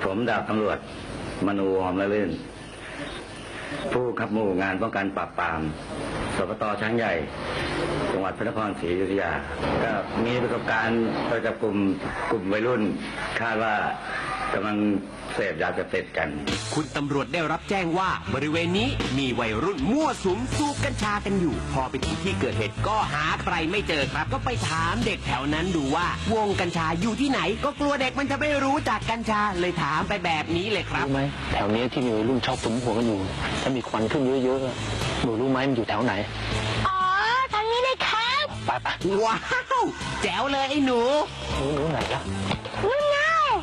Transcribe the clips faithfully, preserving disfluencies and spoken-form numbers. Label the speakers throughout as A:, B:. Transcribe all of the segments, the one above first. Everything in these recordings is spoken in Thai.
A: ผมดาบตำรวจมนูหอมละลื่นผู้ขับหมู่งานป้องกันปราบปรามสปต.ช้างใหญ่จังหวัดพระนครศรีอยุธยาก็มีประสบการณ์ไปจับกลุ่มกลุ่มวัยรุ่นคาดว่ากำลังเสพยาเสพติดกัน
B: คุณตำรวจได้รับแจ้งว่าบริเวณนี้มีวัยรุ่นมั่วสุมสูบกัญชากันอยู่พอไปถึงที่เกิดเหตุก็หาใครไม่เจอครับก็ไปถามเด็กแถวนั้นดูว่าวงกัญชาอยู่ที่ไหนก็กลัวเด็กมันจะไม่รู้จักกัญชาเลยถามไปแบบนี้เลยครับ
C: รู้ไหมแถวนี้ที่มีวัยรุ่นชอบสุมหัวกันอยู่ถ้ามีควันขึ้นเยอะๆหนูรู้ไหมมันอยู่แถวไหน
D: อ๋อทางนี้เลยครับ
C: ไปไป
B: ว้าวแจ๋วเลยไอ้หนู
C: หนูหนูไหนล่ะ
D: นู่นไง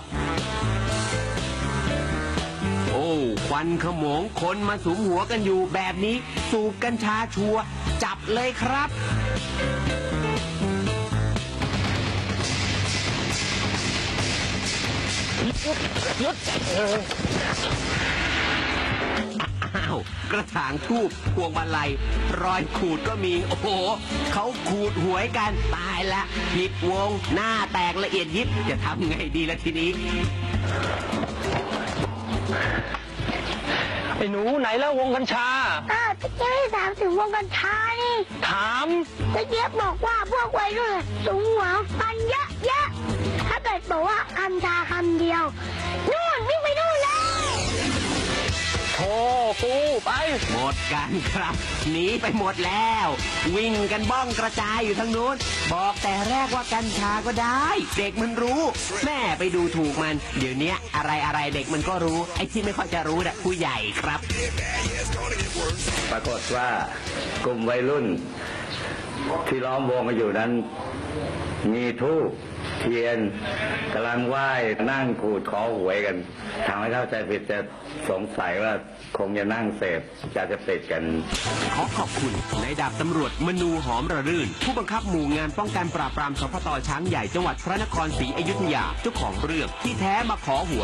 B: โอ้ควันขโมงคนมาสุมหัวกันอยู่แบบนี้สูบกัญชาชัวจับเลยครับ
C: หยุด
B: อ้าวกระถางทูบพวงมาลัยรอยขูดก็มีโอ้โหเขาขูดหวยกันตายละผิดวงหน้าแตกละเอียดยิบจะทำไงดีละทีนี้
C: ไอ้หนูไหนแล้ววงกัญชา
D: อ้าวตะเกียบให้ถามถึงวงกัญชานี่
C: ถาม
D: ตะเกียบบอกว่าพวกวัยรุ่นสูงหัวกันเยอะเยอะถ้าเกิดบอกว่ากัญชาคำเดียวนู่นวิ่งไปนู่นเลย
C: โธ่กูไป
B: หมดกันครับหนีไปหมดแล้ววิ่งกันบ้องกระจายอยู่ทางนู้นบอกแต่แรกว่ากัญชาก็ได้เด็กมันรู้แม่ไปดูถูกมันเดี๋ยวนี้อะไรอะไรเด็กมันก็รู้ไอ้ที่ไม่ค่อยจะรู้น่ะผู้ใหญ่ครับ
A: ปรากฏว่ากลุ่มวัยรุ่นที่ล้อมวงกันอยู่นั้นมีธูปเทียนกำลังไหว้นั่งขูดขอหวยกันทำให้เข้าใจผิดจะสงสัยว่าคงจะนั่งเสพยาเสพติดกัน
B: ขอขอบคุณนายดาบตำรวจมนูหอมระรื่นผู้บังคับหมู่งานป้องกันปราบปรามสปต.ช้างใหญ่จังหวัดพระนครศรีอยุธยาเจ้าของเรื่องที่แท้มาขอหวย